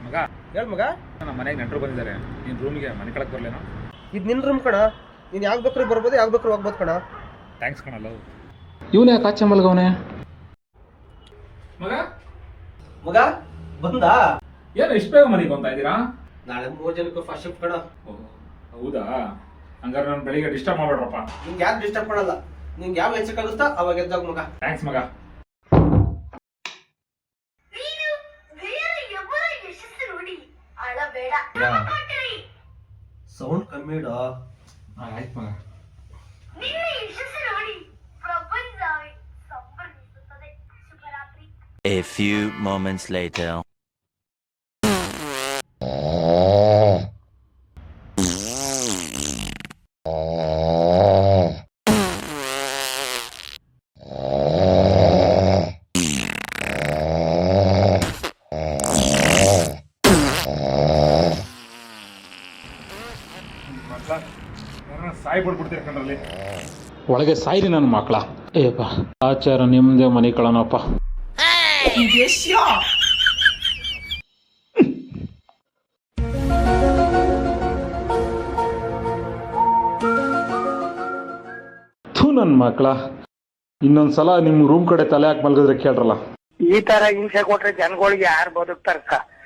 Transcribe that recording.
ಮಗ ಹೇಳ ಮಗ. ನಮ್ಮ ಮನೆಗೆ ನೆಂಟರು ಬಂದಿದ್ದಾರೆ. ನಿನ್ನ ರೂಮಿಗೆ ಮನೆ ಕಳಕ್ಕೆ ಬರಲೇನೋ? ಇದು ನಿನ್ನ ರೂಮ್ ಕಣ. ನೀನು ಯಾವಾಗ ಬೇಕಾದ್ರೂ ಬರ್ಬೋದು, ಯಾವಾಗ ಬೇಕಾದ್ರೂ ಹೋಗ್ಬೋದು ಕಣ. ಥ್ಯಾಂಕ್ಸ್ ಕಣಲ್ಲ. ಇವನೇ ಕಾಚೆ ಮಲ್ಗವನೆ. ಮಗ ಮಗ ಬಂದಾ? ಏನು ಇಷ್ಟು ಬೇಗ ಮನೆಗೆ ಬಂತಾ ಇದ್ದೀರಾ? ನಾಳೆ 3 ಜನಕ್ಕೂ ಫಸ್ಟ್ ಶಿಫ್ಟ್ ಕಣ. ಹೌದಾ? ಹಂಗಾರೆ ನಾನು ಬೆಳಿಗ್ಗೆ ಡಿಸ್ಟರ್ಬ್ ಮಾಡ್ಬೇಡ್ರಪ್ಪ. ನಿಂಗೆ ಯಾರು ಡಿಸ್ಟರ್ಬ್ ಮಾಡಲ್ಲ. ನಿಂಗೆ ಯಾವ ಹೆಚ್ಚಕ್ಕಾಗುತ್ತಾ ಅವಾಗ ಎದ್ದಾಗ ಮಗ. ಥ್ಯಾಂಕ್ಸ್ ಮಗ. ಸೌಂಡ್ ಕಮ್ಮಿ ಇಡ. ಆಯ್ತು ಮಗ. A few moments later. Sai ಬಿಡ್ಬಿಡ್ತೀರಿ ಕಣ್ರಲ್ಲಿ. ಒಳಗೆ ಸಾಯಿರಿ ನನ್ನ ಮಕ್ಕಳ. ಏಪ್ಪ ಆಚಾರ ನಿಮ್ದೇ ಮನೆ ಕಳನಪ್ಪ. ಥೂ ನನ್ನ ಮಕ್ಕಳ, ಇನ್ನೊಂದ್ಸಲ ನಿಮ್ಮ ರೂಮ್ ಕಡೆ ತಲೆ ಹಾಕಿ ಮಲ್ಗಿದ್ರೆ ಕೇಳ್ರಲ್ಲ. ಈ ತರ ಹಿಂಸೆ ಕೊಟ್ರೆ ಜನಗಳಿಗೆ ಯಾರು ಬದುಕ್ತಾರಕ್ಕ?